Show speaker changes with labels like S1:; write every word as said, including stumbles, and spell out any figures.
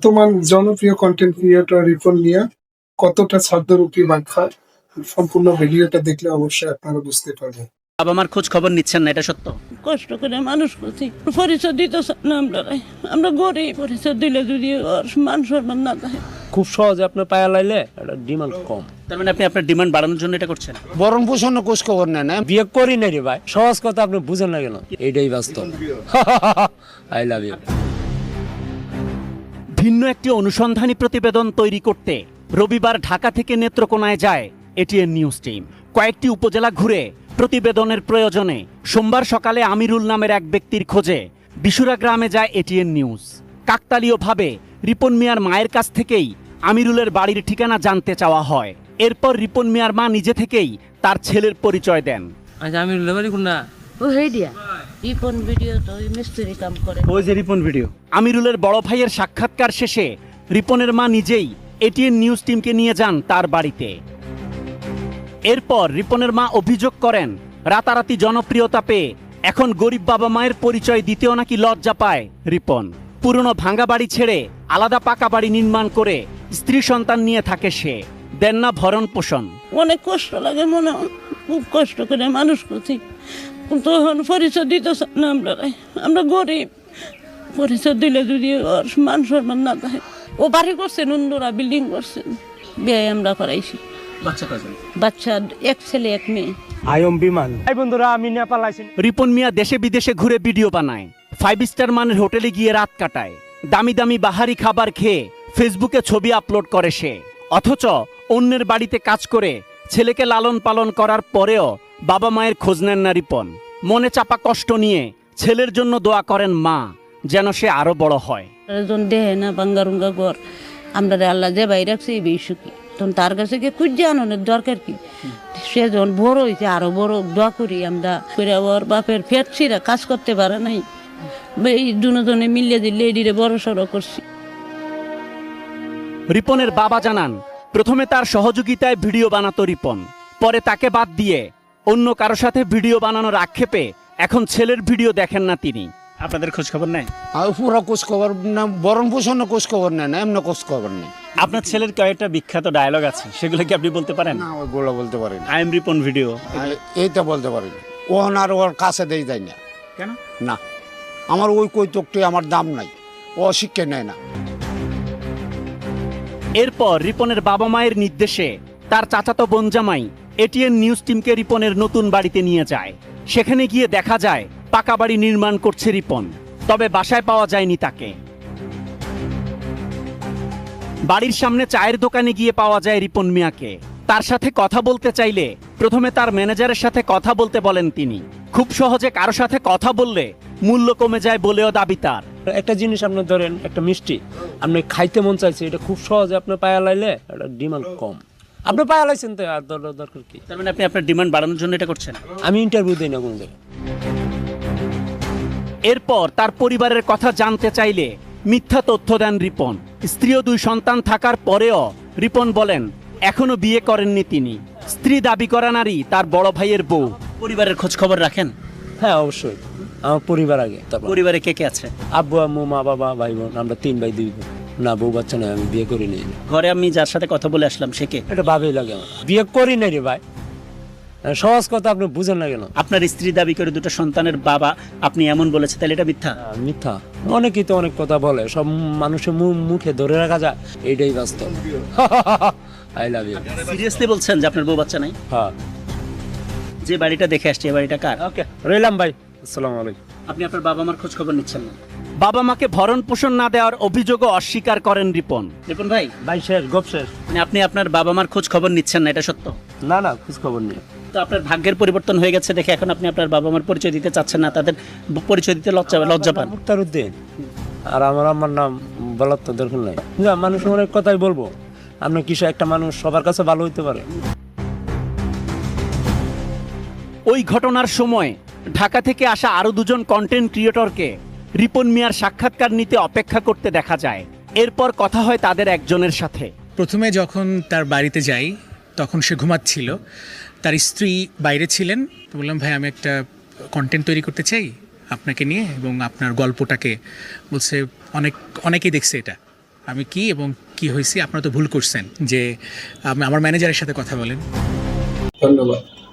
S1: বর্তমান জনপ্রিয় content creator Ripon মিয়া কতটা ছাদ্যরূপী বাখ্যা, সম্পূর্ণ ভিডিওটা দেখলে অবশ্যই আপনারা বুঝতে পারবেন।
S2: বাবা মার খোঁজ খবর নিচ্ছেন না, এটা সত্য?
S3: কষ্ট করে মানুষ করছি, পরিচয় দিতে চান না আমরা। আমরা গরিব, পরিচয় দিলে যদি ওর মান সম্মান না থাকে।
S4: খুব সহজে আপনার পায়া লাইলে এটা ডিমান্ড কম।
S2: তার মানে আপনি আপনার ডিমান্ড বাড়ানোর জন্য এটা করছেন?
S4: বরং পোষণ খোঁজ খবর নেন না, বিয়ে করি না রে ভাই। সহজ কথা আপনি বুঝেন না কেন? এইটাই বাস্তব। I love you.
S2: ভিন্ন একটি অনুসন্ধানী প্রতিবেদন তৈরি করতে রবিবার ঢাকা থেকে নেত্রকোনায় যায় এটিএন নিউজ টিম। কয়েকটি উপজেলা ঘুরে প্রতিবেদনের প্রয়োজনে সোমবার সকালে আমিরুল নামের এক ব্যক্তির খোঁজে বিশুরা গ্রামে যায় এটিএন নিউজ। কাকতালীয়ভাবে রিপন মিয়ার মায়ের কাছ থেকেই আমিরুলের বাড়ির ঠিকানা জানতে চাওয়া হয়। এরপর রিপন মিয়ার মা নিজে থেকেই তার ছেলের পরিচয় দেন।
S4: আচ্ছা, আমিরুলের বাড়ি কোনটা?
S3: ও হেই দিয়া রিপন ভিডিও তো ওই মিস্ত্রি কাম করে।
S2: ওই যে রিপন ভিডিও। আমিরুলের বড় ভাইয়ের সাক্ষাৎকার শেষে রিপনের মা নিজেই এটিএন নিউজ টিমকে নিয়ে যান তার বাড়িতে। এরপর রিপনের মা অভিযোগ করেন, রাতারাতি জনপ্রিয়তা পেয়ে এখন গরিব বাবা মায়ের পরিচয় দিতেও নাকি লজ্জা পায় রিপন। পুরনো ভাঙ্গা বাড়ি ছেড়ে আলাদা পাকা বাড়ি নির্মাণ করে স্ত্রী সন্তান নিয়ে থাকে সে। দেন না ভরণ পোষণ।
S3: অনেক কষ্ট লাগে মনে হয়, খুব কষ্ট করে মানুষ করছি, কিন্তু এখন পরিচয় দিতে চান না আমরা। আমরা গরিব, পরিচয় দিলে যদি ওর মান সম্মান না থাকে। ও বাড়ি করছেন, অন্যরা বিল্ডিং করছেন, বিয়ে আমরা করাইছি।
S2: বাচ্চা কজন?
S3: বাচ্চা এক ছেলে এক মেয়ে।
S4: আয়ম বিমান। এই বন্ধুরা, আমি নেপাল আইছি।
S2: রিপন মিয়া দেশে বিদেশে ঘুরে ভিডিও বানায়, ফাইভ স্টার মানের হোটেলে গিয়ে রাত কাটায়, দামি দামি বাহারি খাবার খেয়ে ফেসবুকে ছবি আপলোড করে সে। অথচ অন্যের বাড়িতে কাজ করে ছেলেকে লালন পালন করার পরেও বাবা মায়ের খোঁজ নেন না রিপন। মনে চাপা কষ্ট নিয়ে ছেলের জন্য দোয়া করেন মা, যেন সে আরো বড় হয়।
S3: দেহে না বাঙ্গারুঙ্গা ঘর, আমরা আল্লাহ যে বাইরে রাখছে এই বেশি কি, তখন তার কাছে গিয়ে খুঁজে আনানোর দরকার কি? সে যখন বড় হয়েছে আরো বড় দোয়া করি আমরা। ওর বাপের পেট ছিঁড়া কাজ করতে পারে নাই, এই দুজনে মিলিয়ে দিলে এডিরে বড় সড়ো করছি।
S2: রিপনের বাবা জানান, প্রথমে তার সহযোগিতায় ভিডিও বানাতো রিপন, পরে তাকে বাদ দিয়ে অন্য কারো সাথে ভিডিও বানানোর আক্ষেপে এখন ছেলের ভিডিও দেখেন না তিনি। আপনাদের খোঁজ খবর নেয়?
S4: আর পুরো খোঁজ খবর না, বরং পোষণ খোঁজ খবর নেন না, এমন খোঁজ খবর নেই।
S2: আপনার ছেলের কয়েকটা বিখ্যাত ডায়লগ আছে, সেগুলো কি আপনি বলতে পারেন?
S4: না, ওইগুলো বলতে পারি না।
S2: আই এম রিপন ভিডিও,
S4: এইটা বলতে পারি না। ওহন আর ওর কাছে দেই যায় না।
S2: কেন?
S4: না, আমার ওই কৈতকটি আমার দাম নাই, ও শিক্ষা নেয় না।
S2: এরপর রিপনের বাবা মায়ের নির্দেশে তার চাচাতো বোন জামাই এটিএন নিউজ টিমকে রিপনের নতুন বাড়িতে নিয়ে যায়। সেখানে গিয়ে দেখা যায় পাকা বাড়ি নির্মাণ করছে রিপন, তবে বাসায় পাওয়া যায়নি তাকে। বাড়ির সামনে চায়ের দোকানে গিয়ে পাওয়া যায় রিপন মিয়াকে। তার সাথে কথা বলতে চাইলে প্রথমে তার ম্যানেজারের সাথে কথা বলতে বলেন তিনি। খুব সহজে কারো সাথে কথা বললে মূল্য কমে যায় বলেও দাবি তার।
S4: একটা জিনিস আপনি ধরেন, একটা মিষ্টি আপনি খাইতে মন চাইছে, এটা খুব সহজে আপনার পায়া লাইলে এটা ডিমান্ড কম। আপনি পায়া লাইছেন তো আর দরকার কি?
S2: তার মানে আপনি আপনার ডিমান্ড বাড়ানোর জন্য এটা করছেন?
S4: আমি ইন্টারভিউ দিই না কোন জায়গায়।
S2: এরপর তার পরিবারের কথা জানতে চাইলে মিথ্যা তথ্য দেন রিপন। স্ত্রী ও দুই সন্তান থাকার পরেও রিপন বলেন এখনো বিয়ে করেননি তিনি। স্ত্রী দাবি করা নারী তার বড় ভাইয়ের বউ। পরিবারের খোঁজ খবর রাখেন?
S4: হ্যাঁ, অবশ্যই। আমার পরিবার আগে, তারপর
S2: পরিবারে কে কে আছে?
S4: আব্বু আম্মু মা বাবা ভাই বোন, আমরা তিন ভাই দুই বোন। না, বউ বাচ্চা নয়, আমি বিয়ে করি নাই।
S2: ঘরে আমি যার সাথে কথা বলে আসলাম সে কে?
S4: এটা ভাবেই লাগে আমার, বিয়ে করি নাই রে ভাই। সহজ কথা আপনি বুঝেন না কেন?
S2: আপনার স্ত্রী দাবি করে দুটো সন্তানের বাবা আপনি এমন বলেছে, তাহলে এটা মিথ্যা?
S4: আহ, মিথ্যা। অনেকেই তো অনেক কথা বলে, সব মানুষের মুখে ধরে রাখা যায়, এইটাই বাস্তব। I love you.
S2: সিরিয়াসলি বলছেন যে আপনার বউ বাচ্চা নাই?
S4: হ্যাঁ।
S2: যে বাড়িটা দেখে আসছে, এই বাড়িটা কার?
S4: ওকে, রইলাম ভাই, আসসালামু আলাইকুম।
S2: আপনি আপনার বাবা মার খোঁজ খবর নিচ্ছেন না? বাবা মাকে ভরণ পোষণ না দেওয়ার অভিযোগও অস্বীকার করেন রিপন। রিপন ভাই,
S4: ভাই শেষ, গপ শেষ।
S2: মানে আপনি আপনার বাবা মার খোঁজ খবর নিচ্ছেন না, এটা সত্য?
S4: না না, খোঁজ খবর নেই।
S2: তো আপনার ভাগ্যের পরিবর্তন হয়ে গেছে দেখে এখন আপনি আপনার বাবা মার পরিচয় দিতে চাচ্ছেন না, তাদের পরিচয় দিতে লজ্জা লজ্জা পান?
S4: মুক্তারউদ্দিন। আর আমার আমার নাম বলার তো দরকার নাই। না, মানুষ অনেক কথাই বলবো, আপনার কিছু একটা মানুষ সবার কাছে ভালো হইতে পারে।
S2: ওই ঘটনার সময় ঢাকা থেকে আসা আরো দুজন কন্টেন্ট ক্রিয়েটরকে রিপন মিয়ার সাক্ষাৎকার নিতে অপেক্ষা করতে দেখা যায়। এরপর কথা হয় তাদের একজনের সাথে।
S5: প্রথমে যখন তার বাড়িতে যাই তখন সে ঘুমাচ্ছিল, তার স্ত্রী বাইরে ছিলেন। তো বললাম, ভাই আমি একটা কন্টেন্ট তৈরি করতে চাই আপনাকে নিয়ে এবং আপনার গল্পটাকে। বলছে অনেক অনেকেই দেখছে এটা, আমি কি এবং কি হয়েছি, আপনারা তো ভুল করছেন যে আপনি আমার ম্যানেজারের সাথে কথা বলেন।
S1: ধন্যবাদ।